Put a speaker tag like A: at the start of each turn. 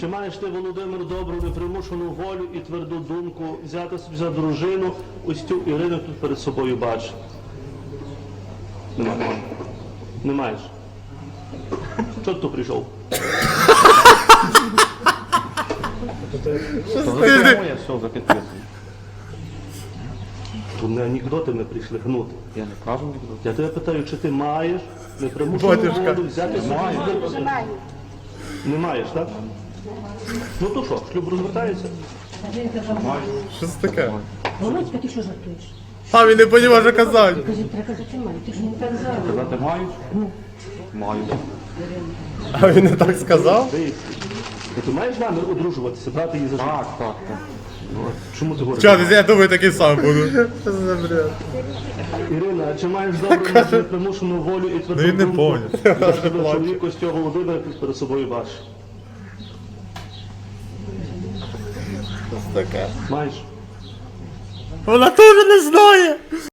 A: Чи маєш ти, Володимир, добру непримушену волю і тверду думку взяти собі за дружину ось цю Ірину тут перед собою бачиш? Немає. Не маєш? Чого ти тут прийшов?
B: Моє все вже підписано.
A: Тут не анекдоти ми прийшли гнути.
B: Я не кажу нікуди.
A: Я тебе питаю, чи ти маєш непримушену волю взяти собі за дружину? Не маєш, так? Ну то що, шлюб розвертається?
C: Що це таке?
D: Володька, ти що жартуєш?
C: А він не розуміє, що казати.
D: Кажи, треба казати маю, ти ж не так зараз.
B: Казати мають? Маю.
C: А він не так сказав?
A: Дивись. Ти маєш намір одружуватися, брати її за життя?
B: Так.
A: Чому ти говориш?
C: Чого, я думаю, такий сам буду. Що за бред?
A: Ірина, а чи маєш добру непримушену волю і тверду
C: Ну, він не
A: думку?
C: поняв.
A: Я ж тебе чоловік ось цього Володимира перед собою бачиш.
C: Що це таке?
A: Маєш?
C: Вона теж не знає.